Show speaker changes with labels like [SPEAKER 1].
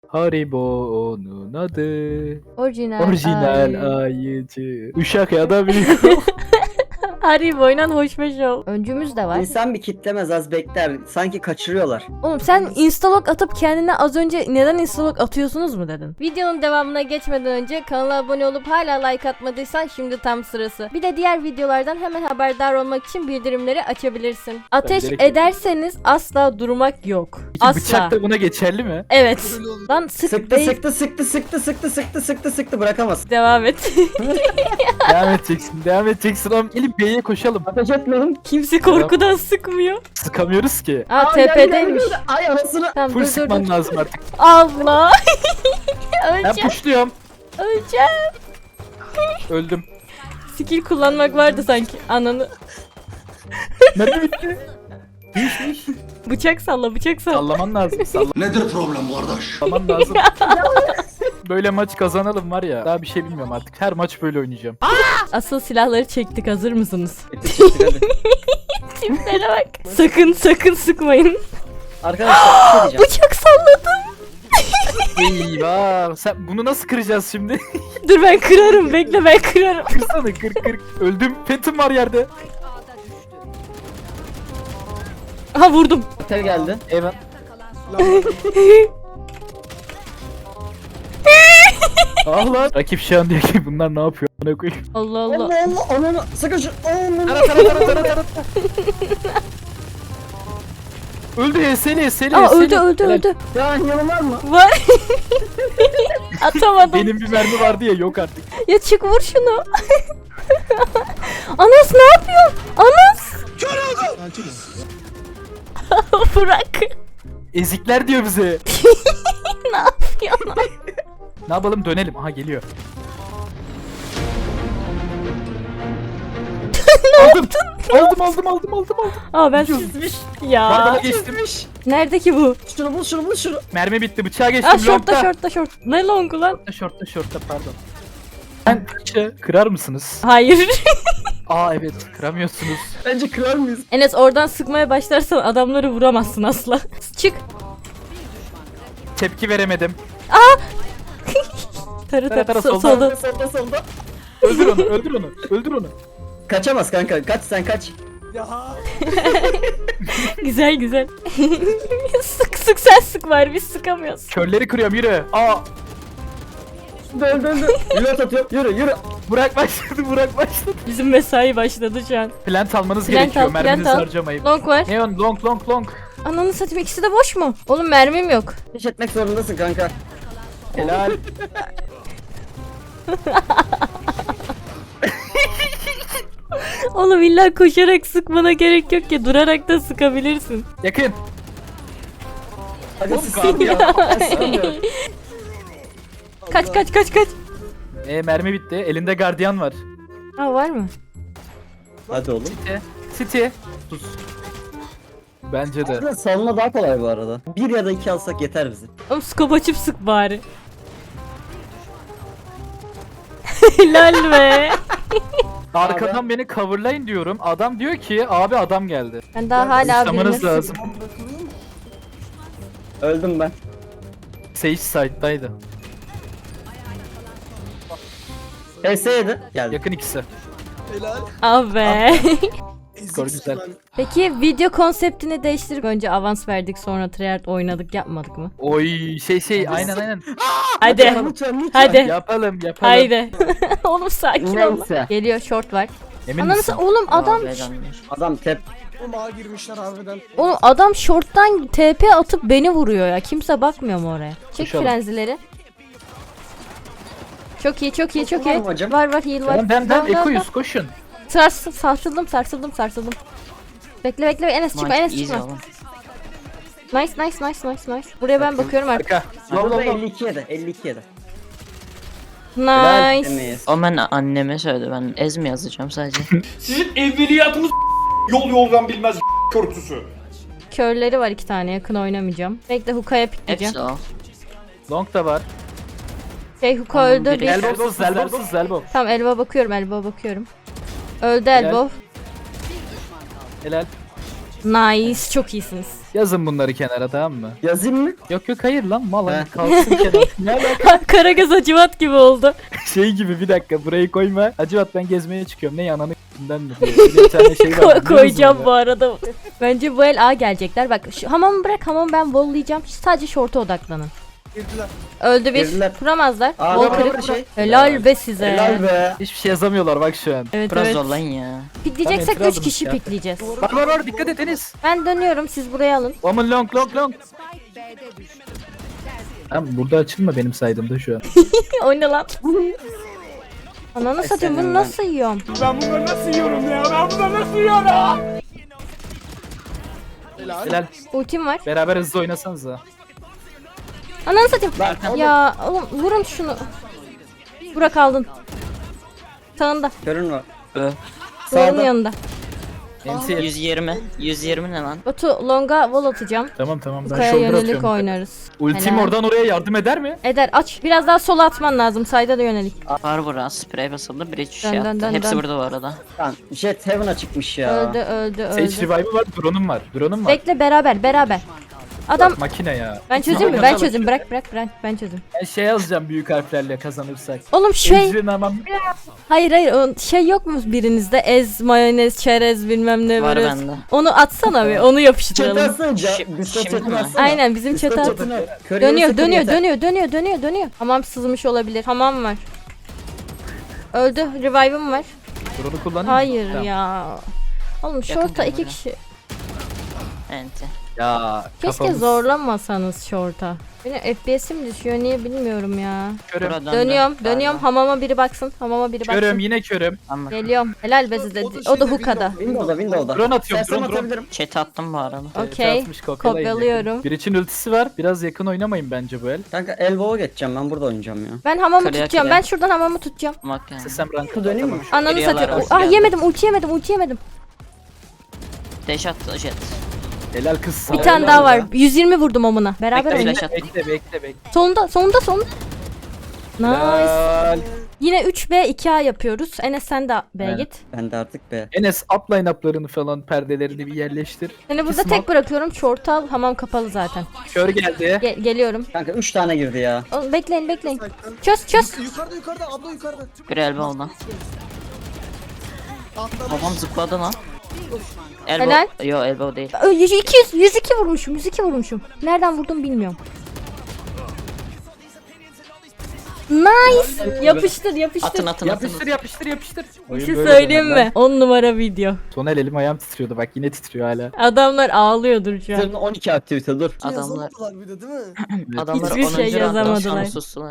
[SPEAKER 1] Haribo onun adı.
[SPEAKER 2] Orijinal.
[SPEAKER 1] Orijinal ayıcı. Uşak ya da büyük.
[SPEAKER 2] Haribo oynan hoşbeş ol. Öncümüz de var.
[SPEAKER 3] İnsan bir kitlemez, az bekler. Sanki kaçırıyorlar.
[SPEAKER 2] Oğlum sen instalog atıp kendine az önce neden instalog atıyorsunuz mu dedin? Videonun devamına geçmeden önce kanala abone olup hala like atmadıysan şimdi tam sırası. Bir de diğer videolardan hemen haberdar olmak için bildirimleri açabilirsin. Ateş
[SPEAKER 1] direkt-
[SPEAKER 2] ederseniz asla durmak yok. Asla.
[SPEAKER 1] Bıçak da buna geçerli mi?
[SPEAKER 2] Evet. Lan sık
[SPEAKER 3] Sıktı
[SPEAKER 2] değil.
[SPEAKER 3] sıktı bırakamaz.
[SPEAKER 2] Devam et.
[SPEAKER 1] Devam edeceksin ama gelin B'ye koşalım.
[SPEAKER 3] Ateş etmeyin.
[SPEAKER 2] Kimse korkudan sıkmıyor.
[SPEAKER 1] Sıkamıyoruz ki.
[SPEAKER 2] Aa TP'deymiş.
[SPEAKER 3] Ay anasını.
[SPEAKER 2] Tamam
[SPEAKER 1] Full
[SPEAKER 2] dur dur
[SPEAKER 1] sıkman
[SPEAKER 2] dur.
[SPEAKER 1] lazım artık.
[SPEAKER 2] Allah.
[SPEAKER 1] Ben
[SPEAKER 2] Öleceğim.
[SPEAKER 1] pushluyorum.
[SPEAKER 2] Öleceğim.
[SPEAKER 1] Öldüm.
[SPEAKER 2] Skill kullanmak vardı sanki. Ananı.
[SPEAKER 1] Nerede bitti?
[SPEAKER 2] Bıçak salla bıçak salla.
[SPEAKER 1] Sallaman lazım.
[SPEAKER 4] Nedir problem kardeş?
[SPEAKER 1] Sallaman lazım. Böyle maç kazanalım var ya. Daha bir şey bilmiyorum artık. Her maç böyle oynayacağım.
[SPEAKER 2] Asıl silahları çektik, hazır mısınız?
[SPEAKER 3] Hadi.
[SPEAKER 2] Tiplere bak. Sakın sıkmayın.
[SPEAKER 3] Arkadaşlar bir şey diyeceğim.
[SPEAKER 2] Bıçak salladım.
[SPEAKER 1] Eyvah. Sen bunu nasıl kıracağız şimdi?
[SPEAKER 2] Dur ben kırarım, bekle ben kırarım.
[SPEAKER 1] Kırsana kır. Öldüm. Phantom var yerde.
[SPEAKER 2] Aha vurdum.
[SPEAKER 3] Otel geldi.
[SPEAKER 1] Evet. Ah lan. Rakip şu an diyor ki bunlar ne yapıyor? Bana koyayım.
[SPEAKER 2] Allah Allah.
[SPEAKER 3] Allah ananı. Sakın şu.
[SPEAKER 1] Tara. Öldü HS'li.
[SPEAKER 2] Aa öldü.
[SPEAKER 3] Ya yanım var mı?
[SPEAKER 2] Var. Atamadım.
[SPEAKER 1] Benim bir mermi vardı ya, yok artık.
[SPEAKER 2] Ya çık vur şunu. Anas ne yapıyorsun? Anas. Bırak.
[SPEAKER 1] Ezikler diyor bize.
[SPEAKER 2] Ne yapıyorsun?
[SPEAKER 1] Ne yapalım, dönelim. Aha geliyor. Aldım.
[SPEAKER 2] Aa ben
[SPEAKER 1] Çizmiş.
[SPEAKER 2] ya.
[SPEAKER 1] Bana geçtim.
[SPEAKER 2] Nerede ki bu?
[SPEAKER 3] Şunu bul şunu.
[SPEAKER 1] Mermi bitti, bıçağa geçtim.
[SPEAKER 2] Aa şortta
[SPEAKER 1] longta.
[SPEAKER 2] şort. Ne longu lan?
[SPEAKER 1] Şortta pardon. Ben bıçağı kırar mısınız?
[SPEAKER 2] Hayır.
[SPEAKER 1] Aa evet, kıramıyorsunuz.
[SPEAKER 3] Bence kırar mıyız?
[SPEAKER 2] Enes oradan sıkmaya başlarsan adamları vuramazsın asla. Çık.
[SPEAKER 1] Tepki veremedim.
[SPEAKER 2] Tarı
[SPEAKER 1] solda.
[SPEAKER 2] solda.
[SPEAKER 3] Solda.
[SPEAKER 1] Öldür onu.
[SPEAKER 3] Kaçamaz kanka. Kaç sen kaç.
[SPEAKER 2] Güzel. sık sen sık var, biz sıkamıyoruz.
[SPEAKER 1] Körleri kırıyorum, yürü. Aa,
[SPEAKER 3] Döndü. Reload atıyor. Yürü.
[SPEAKER 1] Burak başladı.
[SPEAKER 2] Bizim mesai başladı şu an.
[SPEAKER 1] Plant almanız
[SPEAKER 2] Plant
[SPEAKER 1] gerekiyor,
[SPEAKER 2] al,
[SPEAKER 1] merminizi
[SPEAKER 2] plant al.
[SPEAKER 1] harcamayın.
[SPEAKER 2] Long var.
[SPEAKER 1] Neon, long.
[SPEAKER 2] Ananı satayım, ikisi de boş mu? Oğlum mermim yok.
[SPEAKER 3] Ateş etmek zorundasın kanka.
[SPEAKER 1] Helal.
[SPEAKER 2] Oğlum illa koşarak sıkmana gerek yok ki, durarak da sıkabilirsin.
[SPEAKER 1] Yakın.
[SPEAKER 3] Hadi
[SPEAKER 1] Oğlum,
[SPEAKER 3] sıçsın ya. Ben sıkamıyorum.
[SPEAKER 2] Kaç.
[SPEAKER 1] Mermi bitti. Elinde gardiyan var.
[SPEAKER 2] Ha var mı?
[SPEAKER 3] Hadi oğlum.
[SPEAKER 1] City. Sus. Bence de.
[SPEAKER 3] Aslında salona daha kolay bu arada. 1 ya da 2 alsak yeter bize.
[SPEAKER 2] Oğlum scope açıp sık bari. Helal be.
[SPEAKER 1] Arkadan beni coverlayın diyorum. Adam diyor ki abi adam geldi.
[SPEAKER 2] Ben daha hala
[SPEAKER 1] Sıçramanız
[SPEAKER 2] birine
[SPEAKER 1] lazım.
[SPEAKER 3] Öldüm ben.
[SPEAKER 1] Sage side'daydı.
[SPEAKER 3] PS7 geldi.
[SPEAKER 1] Yakın ikisi.
[SPEAKER 2] Abi.
[SPEAKER 1] Skor güzel.
[SPEAKER 2] Peki video konseptini değiştirip önce avans verdik sonra tryhard oynadık yapmadık mı?
[SPEAKER 1] Oy aynen.
[SPEAKER 2] Hadi.
[SPEAKER 3] Lütfen.
[SPEAKER 2] Hadi.
[SPEAKER 1] Yapalım.
[SPEAKER 2] Haydi. Oğlum sakin ol.
[SPEAKER 3] Neyse.
[SPEAKER 2] Geliyor, short var.
[SPEAKER 1] Emin
[SPEAKER 2] Ananı
[SPEAKER 1] misin?
[SPEAKER 2] oğlum adam
[SPEAKER 3] Adam tep.
[SPEAKER 2] oğlum adam short'tan TP atıp beni vuruyor ya. Kimse bakmıyor mu oraya? Çek
[SPEAKER 1] Koşalım.
[SPEAKER 2] frenzileri. Çok iyi.
[SPEAKER 3] Var mı hocam?
[SPEAKER 2] Var heal var.
[SPEAKER 1] Ben ekoyuz, koşun.
[SPEAKER 2] Sarsıldım. Bekle Enes çıkma. Nice. Buraya ben bakıyorum artık.
[SPEAKER 1] Arka.
[SPEAKER 3] Burada 52 yedi. 52 yedi.
[SPEAKER 2] Nice.
[SPEAKER 3] Emeyiz.
[SPEAKER 5] O ben anneme söyledi. Ben ez mi yazacağım sadece?
[SPEAKER 4] Sizin evveliyatınız yoldan bilmez körtüsü.
[SPEAKER 2] Körleri var 2 tane, yakın oynamayacağım. Bekle hookah'ya pikleyeceğim.
[SPEAKER 5] Hepsi o.
[SPEAKER 1] Long da var.
[SPEAKER 2] Hookah öldü.
[SPEAKER 5] biri-
[SPEAKER 1] Elbowsuz.
[SPEAKER 2] Tamam elbow bakıyorum. Öldü elbow.
[SPEAKER 1] Helal.
[SPEAKER 2] Nice, çok iyisiniz.
[SPEAKER 1] Yazın bunları kenara, tamam mı?
[SPEAKER 3] Yazayım mı?
[SPEAKER 1] Yok yok, hayır lan, mal
[SPEAKER 3] He.
[SPEAKER 1] hani kalsın kenara. Ne alaka?
[SPEAKER 2] Karagöz Hacivat gibi oldu.
[SPEAKER 1] Şey gibi, bir dakika burayı koyma. Hacivat ben gezmeye çıkıyorum. Ne yananı k***den mi diyor. Bir tane şey var.
[SPEAKER 2] Koyacağım bu arada. Bence bu el A gelecekler. Bak şu hamamı bırak, hamamı ben bollayacağım. Sadece short'a odaklanın. Öldü bir.
[SPEAKER 3] Girdiler.
[SPEAKER 2] Kuramazlar.
[SPEAKER 3] Aa,
[SPEAKER 2] Bol
[SPEAKER 3] var,
[SPEAKER 2] kırık.
[SPEAKER 3] var şey.
[SPEAKER 2] Helal be size.
[SPEAKER 3] Helal be.
[SPEAKER 1] Hiçbir şey yazamıyorlar bak şu an.
[SPEAKER 2] Evet
[SPEAKER 5] Biraz
[SPEAKER 2] evet.
[SPEAKER 5] zorlayın ya.
[SPEAKER 2] Pikleyeceksek
[SPEAKER 1] Tamam,
[SPEAKER 2] 3 kişi
[SPEAKER 1] ya.
[SPEAKER 2] pikleyeceğiz.
[SPEAKER 1] Var dikkat et Enes.
[SPEAKER 2] Ben dönüyorum, siz buraya alın.
[SPEAKER 1] Aman long. Tamam, burada açılma benim saydığımda şu an.
[SPEAKER 2] O ne lan? Ananı satayım, bunu
[SPEAKER 3] senin
[SPEAKER 2] nasıl yiyorum?
[SPEAKER 1] Helal.
[SPEAKER 2] Ultim var.
[SPEAKER 1] Beraber hızlı oynasanız da.
[SPEAKER 2] Ananı satayım.
[SPEAKER 3] Lan,
[SPEAKER 2] Ya oğlum vurun şunu. Burak aldın. Sağında.
[SPEAKER 3] Körün var.
[SPEAKER 5] Ö.
[SPEAKER 2] Doğrunun
[SPEAKER 3] Sağda.
[SPEAKER 2] yanında.
[SPEAKER 1] NC.
[SPEAKER 5] 120 ne lan?
[SPEAKER 2] Batu longa wall atacağım.
[SPEAKER 1] Tamam ben
[SPEAKER 2] Kaya
[SPEAKER 1] shoulder
[SPEAKER 2] yönelik
[SPEAKER 1] atıyorum.
[SPEAKER 2] oynarız.
[SPEAKER 1] Ultim
[SPEAKER 2] Helal.
[SPEAKER 1] oradan oraya yardım eder mi?
[SPEAKER 2] Eder aç. Biraz daha sola atman lazım. Sayda da yönelik.
[SPEAKER 5] Var bura sprey basıldı. Bridge şey
[SPEAKER 2] Dön, dön,
[SPEAKER 5] attı.
[SPEAKER 2] dön,
[SPEAKER 5] Hepsi
[SPEAKER 2] dön.
[SPEAKER 5] burada bu arada.
[SPEAKER 3] Lan Jet Heaven'a çıkmış ya.
[SPEAKER 2] Öldü.
[SPEAKER 1] Sage revive'ı var, drone'um var. Drone'um var.
[SPEAKER 2] Bekle beraber. Adam
[SPEAKER 1] Makine ya.
[SPEAKER 2] ben çözeyim mi? Ben çözeyim. Bırak. Ben çözeyim.
[SPEAKER 1] Ben şey yazacağım büyük harflerle kazanırsak.
[SPEAKER 2] Oğlum şey
[SPEAKER 1] Ejrin aman.
[SPEAKER 2] hayır o şey yok mu birinizde ez mayonez çerez bilmem ne
[SPEAKER 5] Var
[SPEAKER 2] böyle.
[SPEAKER 5] bende.
[SPEAKER 2] Onu atsana bir onu
[SPEAKER 3] Çatı
[SPEAKER 2] yapıştıralım.
[SPEAKER 3] atsana.
[SPEAKER 5] Şi-
[SPEAKER 3] Discord
[SPEAKER 5] şimdi
[SPEAKER 3] chat'ini
[SPEAKER 5] mi?
[SPEAKER 3] atsana.
[SPEAKER 2] Aynen bizim
[SPEAKER 3] Discord
[SPEAKER 2] çatı
[SPEAKER 3] chat'ini at. Körüğü sıfır yeter.
[SPEAKER 2] dönüyor. Hamam sızmış olabilir. Hamam var. Öldü. Revive'ım var.
[SPEAKER 1] Drone'u kullanayım mı?
[SPEAKER 2] Hayır
[SPEAKER 1] Tamam.
[SPEAKER 2] ya. Oğlum
[SPEAKER 5] Yakın
[SPEAKER 2] short'a 2
[SPEAKER 5] kamera.
[SPEAKER 2] kişi.
[SPEAKER 5] Enti.
[SPEAKER 1] Ya
[SPEAKER 2] Keşke
[SPEAKER 1] kafamız-
[SPEAKER 2] zorlamasanız short'a. Benim FPS'im düşüyor niye bilmiyorum ya.
[SPEAKER 1] Körüm.
[SPEAKER 5] Bura döndü.
[SPEAKER 2] Dönüyorum.
[SPEAKER 5] Galiba.
[SPEAKER 2] Hamama biri baksın.
[SPEAKER 1] Körüm, yine körüm.
[SPEAKER 5] Anladım.
[SPEAKER 2] Geliyorum. Helal be size. O da hookada.
[SPEAKER 3] Windows'da.
[SPEAKER 1] Drone atıyorum,
[SPEAKER 3] Sersem
[SPEAKER 1] drone.
[SPEAKER 3] atabilirim.
[SPEAKER 5] Chat'e attım bu arada.
[SPEAKER 2] Okey.
[SPEAKER 1] Atmış, kopyalayın
[SPEAKER 2] Kopyalıyorum.
[SPEAKER 1] yakın. Bir için ultisi var. Biraz yakın oynamayın bence bu el.
[SPEAKER 3] Kanka Elbow'a geçeceğim, ben burada oynayacağım ya.
[SPEAKER 2] Ben hamamı
[SPEAKER 5] Kırıya
[SPEAKER 2] tutacağım.
[SPEAKER 5] kırıya.
[SPEAKER 2] Ben şuradan hamamı tutacağım.
[SPEAKER 5] Bak yani.
[SPEAKER 1] Sesem rankı
[SPEAKER 3] Döneyim mi?
[SPEAKER 2] Ananı
[SPEAKER 5] Geliyorlar,
[SPEAKER 2] satıyorum.
[SPEAKER 5] hoş
[SPEAKER 2] Ah
[SPEAKER 5] geldin.
[SPEAKER 2] yemedim. Ulti yemedim.
[SPEAKER 5] Dash attı jet.
[SPEAKER 1] Helal kız.
[SPEAKER 2] Bir tane daha var. 120 vurdum omuna. Beraber
[SPEAKER 5] Bekle,
[SPEAKER 2] oynayalım.
[SPEAKER 5] flash attım.
[SPEAKER 1] Bekle.
[SPEAKER 2] Sonunda. Nice.
[SPEAKER 1] Helal.
[SPEAKER 2] Yine 3B 2A yapıyoruz. Enes sen de B'ye
[SPEAKER 1] Evet.
[SPEAKER 2] git.
[SPEAKER 3] Ben de artık be.
[SPEAKER 1] Enes upline up'larını falan, perdelerini bir yerleştir.
[SPEAKER 2] Seni burada
[SPEAKER 1] Kısma.
[SPEAKER 2] tek bırakıyorum. Short al. Hamam kapalı zaten.
[SPEAKER 1] Kör geldi.
[SPEAKER 2] Geliyorum.
[SPEAKER 3] Kanka 3 tane girdi ya.
[SPEAKER 2] Oğlum, bekleyin. Çöz.
[SPEAKER 6] Yukarıda abla yukarıda.
[SPEAKER 5] Bir elbow oldu. Babam zıpladı lan. Elbow.
[SPEAKER 2] Helal.
[SPEAKER 5] Yo elbow değil.
[SPEAKER 2] 102 vurmuşum. Nereden vurdum bilmiyorum. Nice. Yapıştır.
[SPEAKER 5] Atın.
[SPEAKER 1] Yapıştır.
[SPEAKER 2] Bir
[SPEAKER 1] Oyun
[SPEAKER 2] şey
[SPEAKER 1] böyle
[SPEAKER 2] söyleyeyim
[SPEAKER 1] döner lan.
[SPEAKER 2] mi? 10 numara video.
[SPEAKER 1] Son elim ayağım titriyordu, bak yine titriyor hala.
[SPEAKER 2] Adamlar ağlıyordur şu an.
[SPEAKER 3] Üzerinde 12 aktivite dur.
[SPEAKER 5] Adamlar
[SPEAKER 6] Yazamadılar bir de değil mi?
[SPEAKER 5] adamlar
[SPEAKER 2] Hiçbir şey
[SPEAKER 5] 10. rounddan
[SPEAKER 2] yazamadılar.
[SPEAKER 5] sonra sustular.